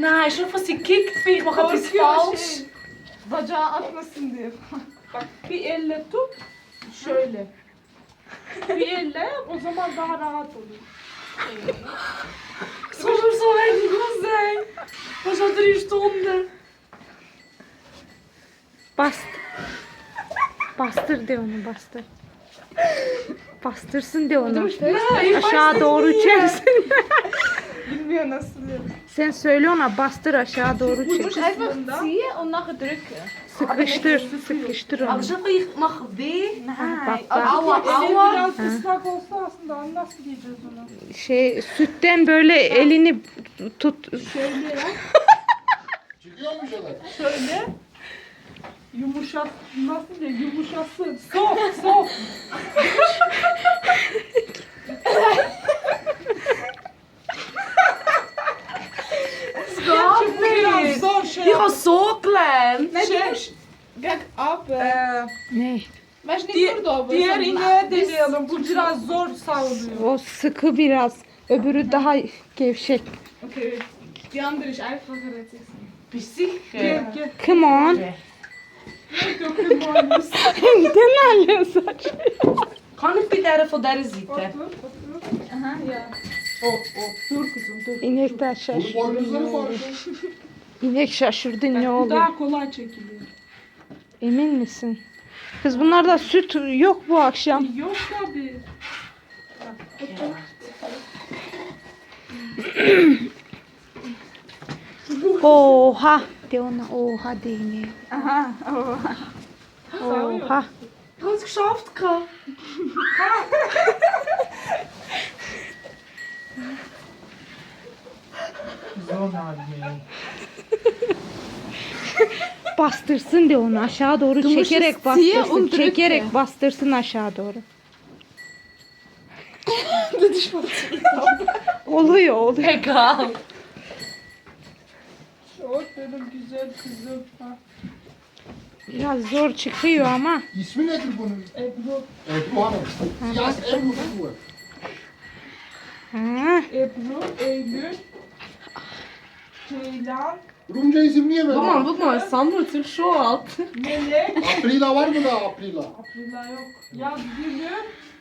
Nein, schon von sie kickt mich, ich mache etwas falsch. Bacağı atmasın diye. Bak bir elle tut. Şöyle. Bir elle yap, o zaman daha rahat olur. Es muss mir so wenig los sein. Was hat 3 Stunden? Bastır de onu bastır. Bastırsın de onu. Nein, Aşağı doğru çeksin. Bilmiyor nasıl. Sen söyle ona bastır aşağı doğru Du çek. musst einfach ziehen und nachher drücken. Sıkıştır Aber onu. schon ich mache weh. Bak bak. Aua, Elin aua. biraz ıslak olsa aslında nasıl diyeceğiz ona? Sütten böyle elini tut. Şöyle yap. Çıkıyor mu şeyler? Şöyle. Yumuşat, nasıl diye yumuşasın. Sok, sok. Stop Biraz nicht. zor şey Ich yap. habe so gelernt. Nein, du musst gegen ab. Ne? Weißt du, nicht nur da oben. Diğer sondern ineğe bis- deneyelim. Bu biraz zor savruluyor. O sıkı biraz. Öbürü daha gevşek. Okay. Die andere ist einfacher als ich. Bist du sicher? Gel gel. Come on. Dökün muhalimiz. Neden alıyorsun saç? Kann ich bei von dieser Seite? Otur, otur. Aha, ja. Dur kızım dur. İnekler Bunun şaşırdı. boynuzları Ne oldu? farklı. İnek şaşırdı ne Bu oldu? daha kolay çekiliyor. Emin misin? Kız bunlarda süt yok bu akşam. Yok tabii. Oha. De ona oha de ineğe. Aha, oh. Oha. Ich habe es geschafft. gehabt. Bastırsın de onu aşağı doğru Du musst çekerek es ziehen bastırsın. und drücken. Çekerek bastırsın aşağı doğru. oluyor. Egal. Çok benim güzel kızım. Ha. Biraz zor çıkıyor ama. İsmi nedir bunun? Ebru, Ebru Hanım. Siyas Ebru bu. Ha. Ebru, Eylül, Ceylan, Rumca isim niye böyle? Guck mal, es sammelt sich schon alt. Melek. Aprila var mı da Aprila? Aprila yok. Ya Gülü,